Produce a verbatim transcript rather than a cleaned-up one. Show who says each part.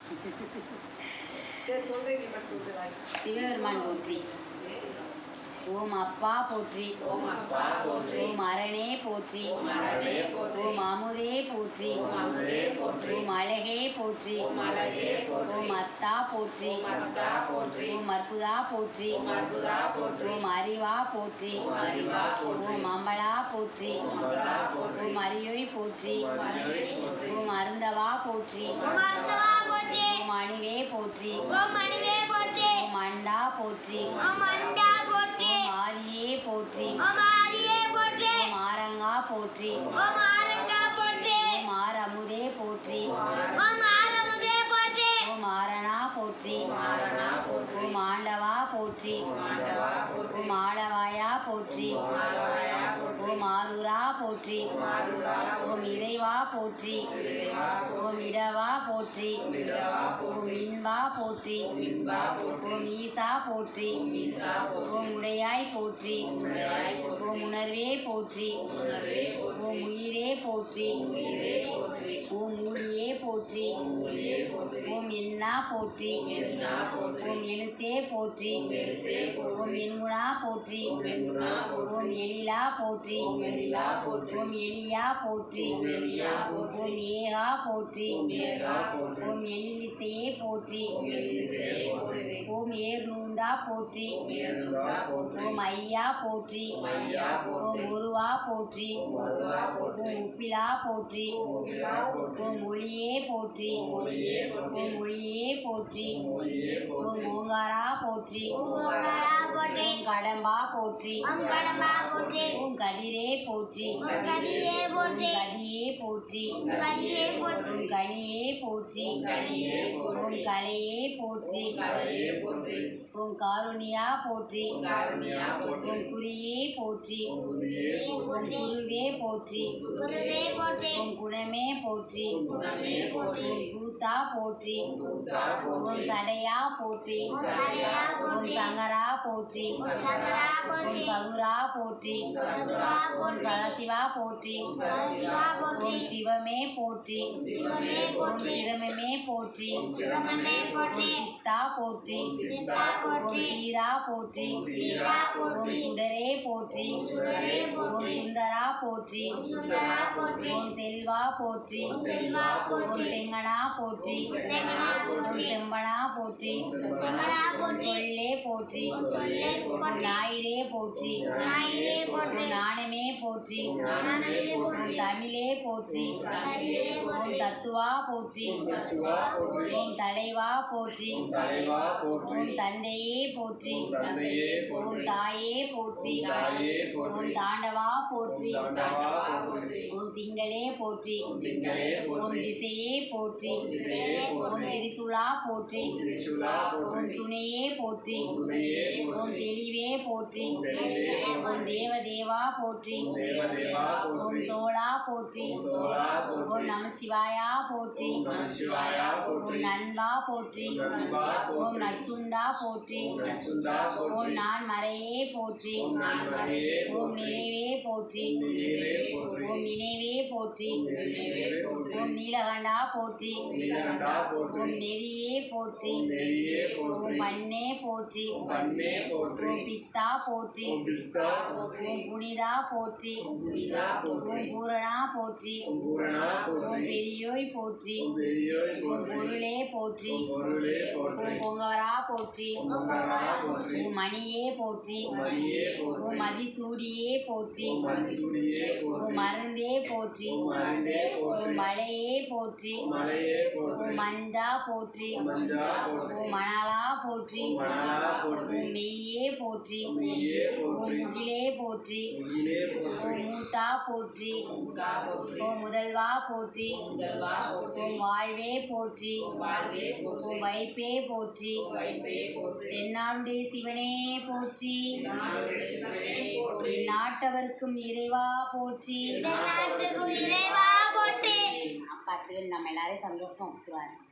Speaker 1: சரி சொல்றேன், நீ மட்டும் சொல்லுவாய்.
Speaker 2: சிவபெருமான் போற்றி. ஓம் அப்பா போற்றி.
Speaker 1: ஓம் அப்பா போற்றி.
Speaker 2: ஓம் அரணே போற்றி.
Speaker 1: ஓம் அரணே போற்றி.
Speaker 2: ஓம் அமுதே போற்றி.
Speaker 1: ஓம் அமுதே போற்றி.
Speaker 2: ஓம் அழகே போற்றி.
Speaker 1: ஓம் அழகே போற்றி.
Speaker 2: ஓம் அத்தா போற்றி.
Speaker 1: ஓம் அத்தா போற்றி.
Speaker 2: ஓம் அற்புதா போற்றி.
Speaker 1: ஓம் அற்புதா போற்றி.
Speaker 2: ஓம் அறிவா போற்றி.
Speaker 1: ஓம் அறிவா போற்றி.
Speaker 2: ஓம் அம்பலா போற்றி.
Speaker 1: ஓம் அம்பலா போற்றி.
Speaker 2: ஓம் அரியோய் போற்றி.
Speaker 1: ஓம் அரியோய் போற்றி.
Speaker 2: ஓம் அருந்தவா போற்றி.
Speaker 3: ஓம் அருந்தவா போற்றி.
Speaker 2: ஓம் அணிவே போற்றி.
Speaker 3: ஓம் அணிவே போற்றி.
Speaker 2: ஓம் அண்டா போற்றி.
Speaker 3: ஓம் அண்டா போற்றி.
Speaker 2: ஓம் ஆதியே போற்றி.
Speaker 3: ஓம் ஆதியே போற்றி.
Speaker 2: ஓம் ஆரங்கா போற்றி.
Speaker 3: ஓம் ஆரங்கா போற்றி.
Speaker 2: ஓம் ஆரமுதே போற்றி.
Speaker 3: ஓம் ஆரமுதே போற்றி.
Speaker 2: ஓம் ஆரணா போற்றி.
Speaker 1: ஆரணா போற்றி.
Speaker 2: ஓம் ஆண்டவா போற்றி.
Speaker 1: ஆண்டவா போற்றி.
Speaker 2: ஓம் ஆளவாயா போற்றி.
Speaker 1: ஆலவாயா போற்றி.
Speaker 2: ஓம் ஆருரா போற்றி.
Speaker 1: ஆருரா
Speaker 2: ஓம் இறைவா போற்றி.
Speaker 1: இறைவா போற்றி.
Speaker 2: ஓம் இடவா போற்றி.
Speaker 1: இடவா
Speaker 2: ஓம்
Speaker 1: போற்றி.
Speaker 2: இன்பா போற்றி.
Speaker 1: இன்பா போற்றி.
Speaker 2: ஓம் ஈசா போற்றி.
Speaker 1: ஈசா போற்றி.
Speaker 2: ஓம் உடையாய் போற்றி.
Speaker 1: உடையாய் போற்றி.
Speaker 2: ஓம் உணர்வே போற்றி.
Speaker 1: உணர்வே போற்றி.
Speaker 2: ஓம் உயிரே போற்றி.
Speaker 1: உயிரே போற்றி.
Speaker 2: ஓம் ஊழியே போற்றி.
Speaker 1: ஊழியே போற்றி.
Speaker 2: ஓம் என்னா போற்றி.
Speaker 1: என்னா போற்றி.
Speaker 2: ஓம் எழுத்தே போற்றி.
Speaker 1: எழுத்தே போற்றி.
Speaker 2: ஓம் எண்குணா போற்றி.
Speaker 1: எண்குணா போற்றி.
Speaker 2: ஓம் எழிலா போற்றி.
Speaker 1: ஓம் எழிலா போற்றி.
Speaker 2: ஓம் எளியா போற்றி.
Speaker 1: ஓம் எளியா போற்றி.
Speaker 2: ஓம் ஏகா போற்றி.
Speaker 1: ஓம் ஏகா போற்றி.
Speaker 2: ஓம் எழிலிசையே போற்றி.
Speaker 1: ஓம் எழிலிசையே போற்றி.
Speaker 2: ஓம் ஏர்நூந்தா போற்றி.
Speaker 1: ஓம் ஏறுமுகா போற்றி.
Speaker 2: ஓம் ஐயா போற்றி.
Speaker 1: ஓம் ஐயா போற்றி.
Speaker 2: ஓம் ஒருவா போற்றி.
Speaker 1: ஓம் ஒருவா போற்றி.
Speaker 2: ஓம் உப்பிலா போற்றி.
Speaker 1: ஓம் உப்பிலா போற்றி.
Speaker 2: ஓம் ஒளியே போற்றி.
Speaker 1: ஓம் ஒளியே போற்றி.
Speaker 2: ஓம் ஒளியே போற்றி.
Speaker 1: ஓம் ஒளியே போற்றி.
Speaker 2: ஓம் ஓங்காரா போற்றி.
Speaker 3: ஓம் ஓங்காரா போற்றி.
Speaker 2: ஓம் கடம்பா போற்றி.
Speaker 3: ஓம் கடம்பா போற்றி.
Speaker 2: ஓம் கதிரே போற்றி.
Speaker 3: ஓம் கதியே போற்றி.
Speaker 2: ஓம் கதியே போற்றி.
Speaker 3: ஓம் கதியே போற்றி.
Speaker 2: ஓம் கனியே போற்றி.
Speaker 1: ஓம் கனியே போற்றி.
Speaker 2: ஓம் கலையே போற்றி.
Speaker 1: ஓம் கலையே போற்றி.
Speaker 2: ஓம் காருண்யா போற்றி.
Speaker 1: ஓம் காருண்யா போற்றி.
Speaker 2: ஓம் குறியே போற்றி.
Speaker 1: ஓம் குருவே
Speaker 2: ஓம்
Speaker 1: போற்றி.
Speaker 2: குருவே போற்றி.
Speaker 3: குருவே போற்றி.
Speaker 2: ஓம் குணமே போற்றி.
Speaker 1: ஓம் குணமே போற்றி.
Speaker 2: ஓம் கூத்தா போற்றி.
Speaker 1: கூத்தா
Speaker 2: ஓம்
Speaker 1: போற்றி.
Speaker 2: சடையா போற்றி.
Speaker 3: ஓம் சடையா
Speaker 2: ஓம்
Speaker 3: போற்றி.
Speaker 2: சங்கரா போற்றி.
Speaker 3: ஓம் சங்கரா
Speaker 2: ஓம்
Speaker 3: போற்றி.
Speaker 2: சதுரா போற்றி.
Speaker 3: சதுரா
Speaker 2: ஓம்
Speaker 3: போற்றி.
Speaker 2: சதாசிவா போற்றி.
Speaker 3: சதாசிவா போற்றி.
Speaker 2: ஓம் சிவமே போற்றி.
Speaker 3: சிவமே
Speaker 2: ஓம்
Speaker 3: போற்றி.
Speaker 2: சிரமமே போற்றி.
Speaker 3: சிவமே போற்றி.
Speaker 2: ஓம் சித்தா போற்றி.
Speaker 3: சித்தா
Speaker 2: ஓம்
Speaker 3: போற்றி.
Speaker 2: சீரா போற்றி.
Speaker 3: சீரா
Speaker 2: ஓம்
Speaker 3: போற்றி.
Speaker 2: சுடரே போற்றி.
Speaker 3: சுடரே
Speaker 2: ஓம்
Speaker 3: போற்றி.
Speaker 2: சுந்தரா போற்றி.
Speaker 3: சுந்தரா போற்றி.
Speaker 2: ஓம் செல்வா போற்றி.
Speaker 3: செல்வா
Speaker 2: ஓம்
Speaker 3: போற்றி.
Speaker 2: செங்கனா போற்றி.
Speaker 3: செங்கனா
Speaker 2: ஓம்
Speaker 3: போற்றி.
Speaker 2: செம்பனா போற்றி.
Speaker 3: செம்பனா
Speaker 2: ஓம்
Speaker 3: போற்றி.
Speaker 2: சொல்லே போற்றி.
Speaker 3: சொல்லே
Speaker 2: ஓம்
Speaker 3: போற்றி.
Speaker 2: ஞாயிறே போற்றி.
Speaker 3: ஞாயிறே போற்றி.
Speaker 2: ஓம் நாணமே போற்றி.
Speaker 3: நாணமே
Speaker 2: ஓம்
Speaker 3: போற்றி.
Speaker 2: தமிழே போற்றி.
Speaker 3: தமிழே போற்றி.
Speaker 2: ஓம் தத்துவா போற்றி.
Speaker 1: தத்துவா போற்றி.
Speaker 2: ஓம் தலைவா போற்றி.
Speaker 1: தலைவா போற்றி.
Speaker 2: ஓம் தந்தையே போற்றி.
Speaker 1: தந்தையே
Speaker 2: ஓம்
Speaker 1: போற்றி.
Speaker 2: தாயே போற்றி.
Speaker 1: தாயே போற்றி.
Speaker 2: ஓம் தாண்டவா போற்றி.
Speaker 1: தாண்டவா போற்றி.
Speaker 2: ஓம் திங்களே போற்றி.
Speaker 1: திங்களே
Speaker 2: ஓம்
Speaker 1: போற்றி.
Speaker 2: திசையே போற்றி.
Speaker 1: திசையே
Speaker 2: ஓம்
Speaker 1: போற்றி.
Speaker 2: திரிசுலா போற்றி.
Speaker 1: திரிசூலா
Speaker 2: ஓம்
Speaker 1: போற்றி.
Speaker 2: துணையே போற்றி.
Speaker 1: துணையே
Speaker 2: ஓம்
Speaker 1: போற்றி.
Speaker 2: தெளிவே போற்றி.
Speaker 1: தெளிவே
Speaker 2: ஓம் தேவதேவா போற்றி.
Speaker 1: தேவதேவா
Speaker 2: ஓம்
Speaker 1: போற்றி.
Speaker 2: தோளா போற்றி.
Speaker 1: தோளா
Speaker 2: ஓம்
Speaker 1: போற்றி.
Speaker 2: நமச்சிவாயா போற்றி.
Speaker 1: ஓம் நமச்சிவாயா போற்றி.
Speaker 2: ஓம் நண்பா போற்றி.
Speaker 1: நண்பா போற்றி.
Speaker 2: ஓம் நச்சுண்டா போற்றி.
Speaker 1: நச்சுண்டா
Speaker 2: ஓம்
Speaker 1: போற்றி.
Speaker 2: நான் மறையே போற்றி.
Speaker 1: ஓம் நான்மறையே
Speaker 2: ஓம்
Speaker 1: போற்றி.
Speaker 2: நிறைவே போற்றி.
Speaker 1: நினைவே போற்றி.
Speaker 2: ஓம் நினைவே போற்றி.
Speaker 1: நினைவே போற்றி.
Speaker 2: ஓம் நீலகண்டா போற்றி.
Speaker 1: நீலகண்டா போற்றி.
Speaker 2: ஓம் நெறியே போற்றி.
Speaker 1: ஓம் நெறியே
Speaker 2: ஓம்
Speaker 1: போற்றி.
Speaker 2: மண்ணே போற்றி.
Speaker 1: ஓம் பண்ணே போற்றி.
Speaker 2: ஓம் பித்தா போற்றி.
Speaker 1: ஓம் பித்தா போற்றி.
Speaker 2: ஓம் புனிதா போற்றி.
Speaker 1: ஓம் புனிதா போற்றி.
Speaker 2: ஓம் பூரணா போற்றி.
Speaker 1: ஓம் பூரணா
Speaker 2: ஓம்
Speaker 1: போற்றி.
Speaker 2: பெரியோய் போற்றி.
Speaker 1: ஓம் பெரியோய்
Speaker 2: ஓம்
Speaker 1: போற்றி.
Speaker 2: பொருளே போற்றி.
Speaker 1: ஓம் பொருளே போற்றி.
Speaker 2: ஓம் பொங்கவரா போற்றி.
Speaker 1: ஓம் பொங்கவரா போற்றி.
Speaker 2: ஓம் மணியே போற்றி.
Speaker 1: ஓம் மணியே போற்றி.
Speaker 2: ஓம் மதிசூடியே போற்றி.
Speaker 1: ஓம் மதிசூடியே போற்றி.
Speaker 2: ஓம் மருந்தே போற்றி.
Speaker 1: ஓம் மருந்தே போற்றி.
Speaker 2: ஓம் மலையே போற்றி.
Speaker 1: ஓம் மலையே போற்றி.
Speaker 2: ஓம் மஞ்சா போற்றி.
Speaker 1: ஓம் மஞ்சா போற்றி.
Speaker 2: ஓம் மணலா போற்றி.
Speaker 1: ஓம் மணலா போற்றி.
Speaker 2: ஓம் மெய்யே போற்றி.
Speaker 1: ஓம் மெய்யே
Speaker 2: ஓம்
Speaker 1: போற்றி.
Speaker 2: முகிலே போற்றி.
Speaker 1: முகிலே போற்றி.
Speaker 2: ஓம் மூத்தா போற்றி.
Speaker 1: மூத்தா போற்றி.
Speaker 2: ஓம் முதல்வா போற்றி.
Speaker 1: முதல்வா போற்றி.
Speaker 2: ஓம் வாழ்வே போற்றி.
Speaker 1: ஓம் வாழ்வே போற்றி.
Speaker 2: ஓம் வைப்பே போற்றி.
Speaker 1: ஓம் வைப்பே போற்றி.
Speaker 2: தென்னாடுடைய சிவனே போற்றி.
Speaker 1: நாடுடைய சிவனே போற்றி.
Speaker 2: நாட்டவர்க்கும் இறைவா போற்றி.
Speaker 3: இந்த நாட்டுக்கு இறைவா போற்றி.
Speaker 2: அப்பா சிவன் நம்ம எல்லாரையும் சந்தோஷமா வச்சுக்குவாரு.